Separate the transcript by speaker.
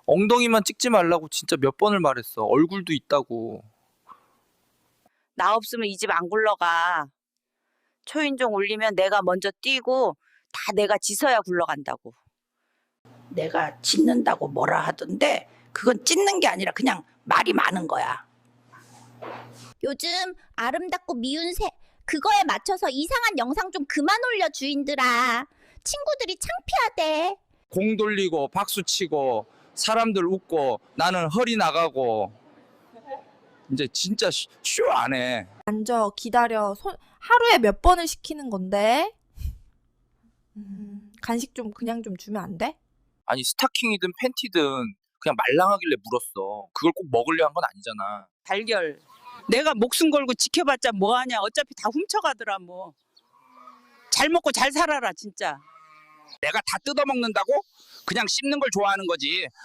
Speaker 1: 엉덩이만 찍지 말라고 진짜 몇 번을 말했어. 얼굴도 있다고.
Speaker 2: 나 없으면 이 집 안 굴러가. 초인종 울리면 내가 먼저 뛰고 다 내가 짖어야 굴러간다고.
Speaker 3: 내가 짖는다고 뭐라 하던데 그건 짖는 게 아니라 그냥 말이 많은 거야.
Speaker 4: 요즘 아름답고 미운 새 그거에 맞춰서 이상한 영상 좀 그만 올려 주인들아. 친구들이 창피하대.
Speaker 1: 공 돌리고 박수 치고 사람들 웃고 나는 허리 나가고 이제 진짜 쇼 안 해.
Speaker 5: 앉아, 기다려. 하루에 몇 번을 시키는 건데? 간식 좀 그냥 좀 주면 안 돼?
Speaker 1: 아니 스타킹이든 팬티든 그냥 말랑하길래 물었어. 그걸 꼭 먹으려 한 건 아니잖아.
Speaker 2: 달걀. 내가 목숨 걸고 지켜봤자 뭐하냐. 어차피 다 훔쳐가더라 뭐. 잘 먹고 잘 살아라 진짜.
Speaker 6: 내가 다 뜯어먹는다고? 그냥 씹는 걸 좋아하는 거지.